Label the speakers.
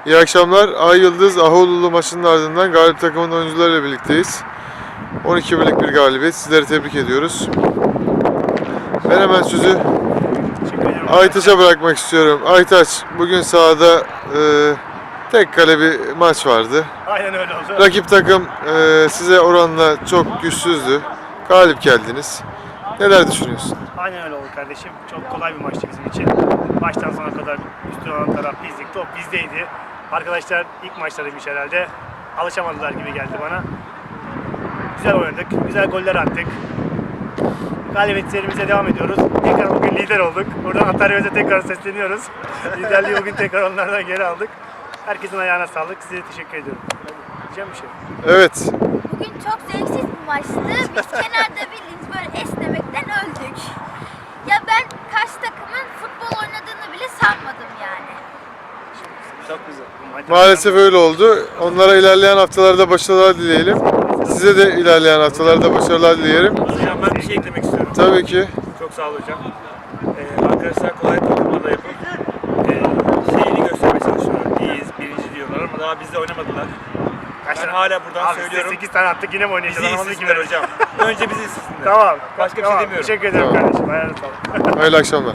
Speaker 1: İyi akşamlar. Ay Yıldız Ahoğlu'lu maçının ardından galip takımın oyuncularıyla birlikteyiz. 12 birlik bir galibiyet. Sizleri tebrik ediyoruz. Ben hemen sözü Aytaç'a bırakmak istiyorum. Aytaç, bugün sahada tek kale bir maç vardı.
Speaker 2: Aynen öyle oldu.
Speaker 1: Rakip takım size oranla çok güçsüzdü. Galip geldiniz. Neler düşünüyorsun?
Speaker 2: Aynen öyle oldu kardeşim. Çok kolay bir maçtı bizim için. Baştan sona kadar üstün olan taraf bizdik. Top bizdeydi. Arkadaşlar ilk maçlarıymış herhalde. Alışamadılar gibi geldi bana. Güzel oynadık. Güzel goller attık. Galibiyetlerimize devam ediyoruz. Tekrar bugün lider olduk. Buradan Antalya'ya tekrar sesleniyoruz. Liderliği bugün tekrar onlardan geri aldık. Herkesin ayağına sağlık. Size teşekkür ediyorum. Diyeceğim bir şey.
Speaker 1: Evet.
Speaker 3: Bugün çok zevksiz bir maçtı. Biz kenarda bildiğiniz böyle esnemekten öldük. Ya ben karşı takımın futbol oynadığını bile sanmadım yani.
Speaker 2: Çok güzel.
Speaker 1: Maalesef öyle oldu. Onlara ilerleyen haftalarda başarılar dileyelim. Size de ilerleyen haftalarda başarılar dileyelim.
Speaker 4: Hocam ben bir şey eklemek istiyorum.
Speaker 1: Tabii ki.
Speaker 4: Çok sağ ol hocam. Arkadaşlar kolay takımla da yapıp şeyini göstermeye çalışıyorlar. İyiyiz, birinci diyorlar ama daha bizde oynamadılar. Ben hala buradan
Speaker 2: Abi
Speaker 4: söylüyorum.
Speaker 2: 8 tane attık yine mi oynayacağız?
Speaker 4: Bizi
Speaker 2: Anlamadım ki
Speaker 4: izlesinler
Speaker 2: ben.
Speaker 4: hocam. Önce bizi izlesinler.
Speaker 2: Tamam.
Speaker 4: Başka bir
Speaker 2: tamam.
Speaker 4: şey demiyorum.
Speaker 2: Teşekkür ederim
Speaker 1: Tamam.
Speaker 2: kardeşim. Ayağına sağlık.
Speaker 1: Hayırlı akşamlar.